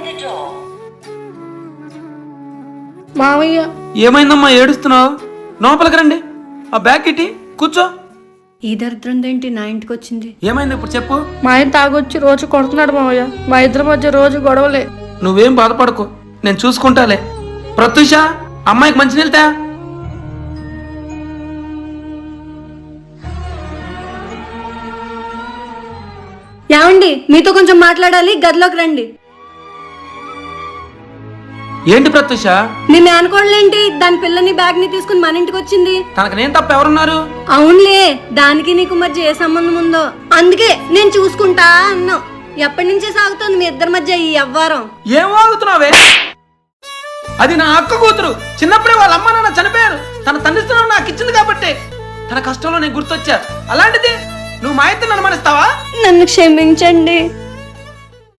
మామయ్య ఏమైందమ్మా ఏడుస్తున్నావు? లోపలికి రండి, ఆ బ్యాగ్ ఇట్టి కూర్చో. ఈ దరిద్రం ఏంటి నా ఇంటికి వచ్చింది? ఏమైంది ఇప్పుడు చెప్పు. మా ఆయన తాగొచ్చి రోజు కొడుతున్నాడు మామయ్య. మా ఇద్దరి మధ్య రోజు గొడవలే. నువ్వేం బాధపడకు, నేను చూసుకుంటాలే. ప్రత్యూష, అమ్మాయికి మంచి నీళ్తా. ఏమండి, మీతో కొంచెం మాట్లాడాలి, గదిలోకి రండి. ఏంటి ప్రత్యూష? మీ మేనకోడలేంటి దాని పిల్లని బ్యాగ్ ని తీసుకుని మన ఇంటికి వచ్చింది? తనకు నేను తప్ప ఎవరున్నారు? అవునులే, దానికి నీకు మధ్య ఏ సంబంధం ఉందో అందుకే నేను చూసుకుంటా అన్నావు. ఎప్పటి నుంచే సాగుతోంది మీ ఇద్దరి మధ్య ఈ వ్యవహారం? ఏం వాగుతున్నావే? అది నా అక్క కూతురు. చిన్నప్పుడే వాళ్ళ అమ్మ నాన్న చనిపోయారు. తన తండ్రిస్తున్నావు నాకు ఇచ్చింది కాబట్టి తన కష్టంలో నేను గుర్తొచ్చా. అలాంటిది నువ్వు మా ఇద్దరు అనుమానిస్తావా? నన్ను క్షమించండి.